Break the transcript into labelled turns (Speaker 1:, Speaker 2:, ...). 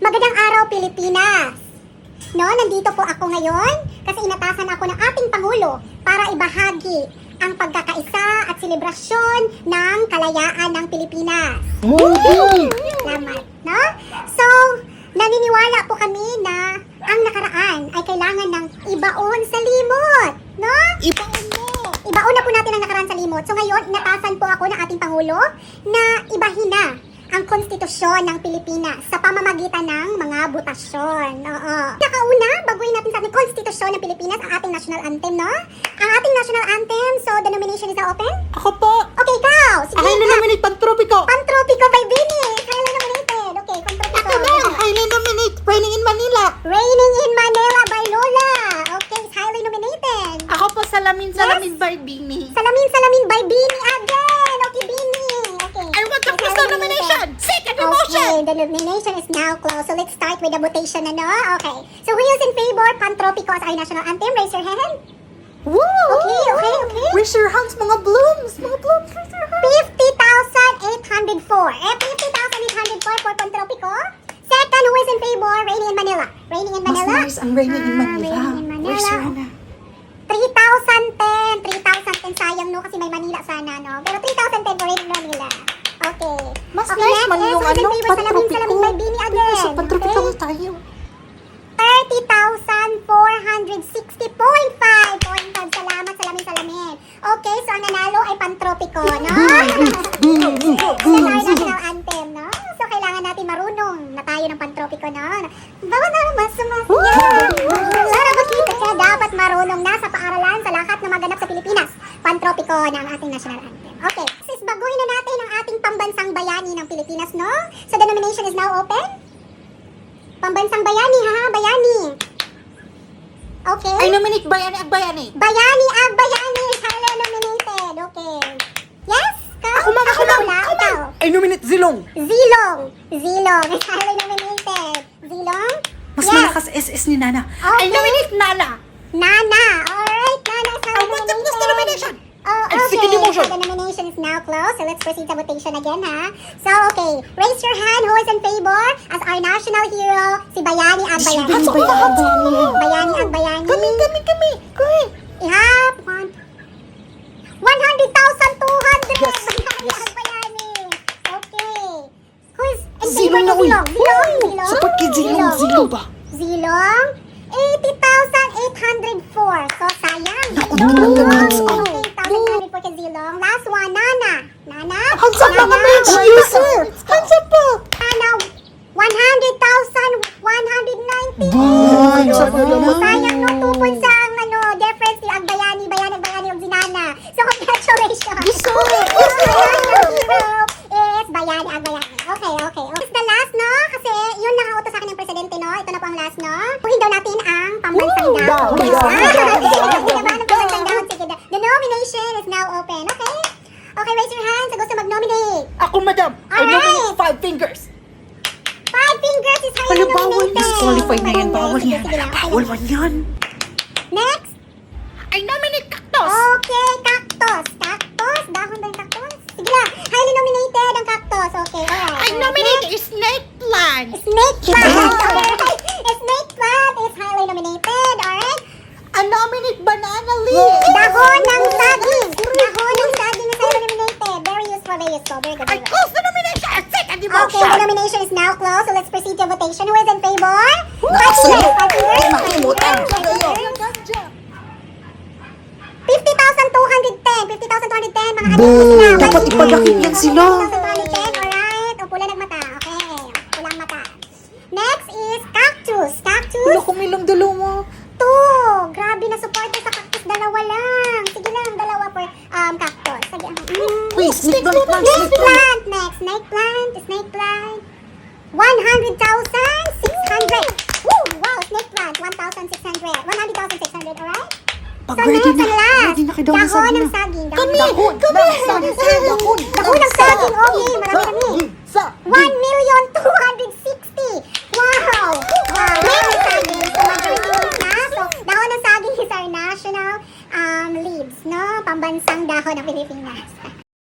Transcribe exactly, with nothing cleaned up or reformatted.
Speaker 1: Magandang araw, Pilipinas! No, nandito po ako ngayon kasi inatasan ako ng ating Pangulo para ibahagi ang pagkakaisa at selebrasyon ng kalayaan ng Pilipinas.
Speaker 2: Movie!
Speaker 1: Salamat, no? So, naniniwala po kami na ang nakaraan ay kailangan ng ibaon sa limot, no?
Speaker 2: Ibaon mo!
Speaker 1: Ibaon na po natin ang nakaraan sa limot. So ngayon, inatasan po ako ng ating Pangulo na ibahin na ang konstitusyon ng Pilipinas sa pamamagitan ng mga butasyon. Oo. Nakauna, baguhin natin sa ating konstitusyon ng Pilipinas ang ating national anthem, no? Ang ating national anthem, so the nomination is now open?
Speaker 2: Ako po!
Speaker 1: Okay, ikaw! Sige,
Speaker 2: Ahay na nominate Pantropiko!
Speaker 1: Pantropiko by Bini! Kaya nominated. Okay, Pantropiko.
Speaker 2: Ako na! Ahay na nominate Raining in Manila!
Speaker 1: Raining in Manila by Lola. Okay, it's highly nominated.
Speaker 2: Ako po Salamin Salamin by Bini!
Speaker 1: Salamin Salamin by Bini again. Okay, Bini. Okay.
Speaker 2: I want the
Speaker 1: It's
Speaker 2: first
Speaker 1: highly
Speaker 2: nomination! Second
Speaker 1: Okay,
Speaker 2: promotion!
Speaker 1: the nomination is now closed. So let's start with the votation, ano? Okay. So who is in favor? Pantropiko as our national anthem. Raise your hand.
Speaker 2: Woo!
Speaker 1: Okay, okay, okay.
Speaker 2: Raise your hands, mga blooms! Mga blooms, raise your hands!
Speaker 1: fifty thousand eight hundred four. Eh, fifty thousand eight hundred four for Pantropiko. Second, who is in favor? Raining in Manila. Raining in
Speaker 2: Mas
Speaker 1: Manila.
Speaker 2: nice ang Raining in
Speaker 1: Ah,
Speaker 2: Manila.
Speaker 1: Raining in Manila.
Speaker 2: Raise your hand.
Speaker 1: three thousand ten. three thousand ten. Sayang, no? Kasi may Manila sana, no? Pero three thousand ten for Raining in Manila. Okay.
Speaker 2: Mas
Speaker 1: okay,
Speaker 2: nice
Speaker 1: next
Speaker 2: man
Speaker 1: is
Speaker 2: yung
Speaker 1: who's in
Speaker 2: ano,
Speaker 1: favor? Salamin,
Speaker 2: Pantropiko.
Speaker 1: Salamin by Bini again.
Speaker 2: So, Pantropiko
Speaker 1: Okay.
Speaker 2: tayo.
Speaker 1: thirty thousand four hundred sixty point five. Salamat, salamin, salamin. Okay, so ang nanalo ay Pantropiko, no? Yan ang national anthem, no? So kailangan natin marunong na tayo ng Pantropiko, no? Bawat na mas sumasaya. Para makita ka, dapat marunong na sa paaralan sa lahat na maganap sa Pilipinas. Pantropiko na ang ating national anthem. Okay, sis, baguhin na natin ang ating pambansang bayani ng Pilipinas, no? So the nomination is now open. Pambansang bayani, ha? Bayani. Okay.
Speaker 2: I nominate Bayani Ag Bayani!
Speaker 1: Bayani Ag Bayani is highly nominated. Okay. Yes? Ka?
Speaker 2: Ako man, ako man!
Speaker 1: wala?
Speaker 2: Ako man!
Speaker 1: Ikaw.
Speaker 2: I nominate Zilong!
Speaker 1: Zilong. Zilong is highly nominated. Zilong?
Speaker 2: Mas
Speaker 1: yes.
Speaker 2: malakas S S ni Nana.
Speaker 1: Okay.
Speaker 2: I nominate Nana!
Speaker 1: Nana. Alright, Nana is highly
Speaker 2: I want the
Speaker 1: nominated.
Speaker 2: first nomination.
Speaker 1: Oh,
Speaker 2: I
Speaker 1: okay.
Speaker 2: second the motion.
Speaker 1: So the nomination is now closed. So let's proceed to votation again, ha? So, okay. Raise your hand who is in favor as our national hero, si Bayani Ag Bayani.
Speaker 2: Hands up, hands up.
Speaker 1: Bayani Ag Bayani.
Speaker 2: Kami, kami, kami! Kami!
Speaker 1: Ihap. One. one hundred thousand two hundred.
Speaker 2: Yes,
Speaker 1: Bayani
Speaker 2: yes.
Speaker 1: Ag Bayani. Okay. Who is in favor
Speaker 2: Zilong
Speaker 1: ni
Speaker 2: na, uy.
Speaker 1: Zilong? Zilong? Zilong?
Speaker 2: Sapat kay Zilong, Zilong ba?
Speaker 1: Zilong? eighty thousand eight hundred four. So, sayang.
Speaker 2: Naku,
Speaker 1: Zilong.
Speaker 2: naku, naku, naku.
Speaker 1: eighty thousand eight hundred four kay Zilong. Last one, Nana. Nana?
Speaker 2: Hands up,
Speaker 1: Nana?
Speaker 2: mga bitch! Yes, sir! Hands up po!
Speaker 1: Nana, one hundred thousand one hundred ninety.
Speaker 2: Hands up naman!
Speaker 1: Sayang no, two points sa ang ano, difference ni Ag Bayani, Bayani, Ag Bayani, yung Zinana. So, congratulations.
Speaker 2: Yes, sir.
Speaker 1: Yes, sir. Is Bayani, Ag Bayani. Okay, okay. okay. It's the last, no? Kasi yun lang ang utos sa akin ng presidente, no? Ito na po ang last, no? Puhin daw natin ang pambansang
Speaker 2: Woo!
Speaker 1: dahon.
Speaker 2: Dahon, dahon,
Speaker 1: Ah,
Speaker 2: dahon,
Speaker 1: sige,
Speaker 2: dahon,
Speaker 1: sige,
Speaker 2: dahon.
Speaker 1: ba ng pambansang dahon? Sige, the- the nomination is now open. Okay? Okay, raise your hand sa gusto mag-nominate.
Speaker 2: Ako, madam! I
Speaker 1: Alright.
Speaker 2: nominate Five Fingers!
Speaker 1: Five fingers is highly
Speaker 2: Ano, bawal?
Speaker 1: nominated.
Speaker 2: Disqualify na yan. Bawal
Speaker 1: Sige,
Speaker 2: yan.
Speaker 1: sige lang, okay
Speaker 2: Bawal
Speaker 1: lang.
Speaker 2: man yan.
Speaker 1: Next.
Speaker 2: I nominate Cactus!
Speaker 1: Okay, cactus. Cactus? Dahon ba yung cactus? Sige lang. Highly nominated ang cactus. Okay, alright.
Speaker 2: I
Speaker 1: alright.
Speaker 2: nominate
Speaker 1: Next,
Speaker 2: Snake Plant!
Speaker 1: snake plant. Alright. Snake plant is highly nominated. Alright.
Speaker 2: I nominate Banana Leaf!
Speaker 1: Dahon ng saging. Dahon ng saging is highly nominated. Very useful, very useful. Very good.
Speaker 2: I
Speaker 1: Very good.
Speaker 2: close the nomination! I second the
Speaker 1: Okay, the
Speaker 2: motion!
Speaker 1: nomination is now closed. So let's proceed to votation. Who is in favor? Five
Speaker 2: Nasa-
Speaker 1: fingers. Five fingers.
Speaker 2: Ay, makimutan.
Speaker 1: Five fingers. fifty thousand two hundred ten. fifty thousand two hundred ten. Mga
Speaker 2: Boo!
Speaker 1: kanina sila.
Speaker 2: Dapat ipadakip yan sila.
Speaker 1: fifty thousand two hundred ten. Alright. O, pula nagmata. Okay. Pulang mata. Next is cactus. Cactus.
Speaker 2: Wala kong ilang dalawa.
Speaker 1: Two. Grabe na support sa cactus. Dalawa lang. Sige lang. Dalawa per um, cactus. Sige. Mm.
Speaker 2: Wait, snake plant, plant,
Speaker 1: Snake
Speaker 2: snake plant.
Speaker 1: plant. Next. Snake plant. Snake plant. one hundred thousand six hundred. Woo! Wow. Snake plant. one thousand six hundred. one hundred thousand six hundred. Alright?
Speaker 2: Pag
Speaker 1: So
Speaker 2: ready
Speaker 1: next
Speaker 2: na,
Speaker 1: and last.
Speaker 2: ready na kay Dahon ng
Speaker 1: Dahon ng
Speaker 2: saging
Speaker 1: saging.
Speaker 2: na. Kami!
Speaker 1: Dahon.
Speaker 2: Kami!
Speaker 1: Dahon.
Speaker 2: Dahon!
Speaker 1: Dahon ng saging.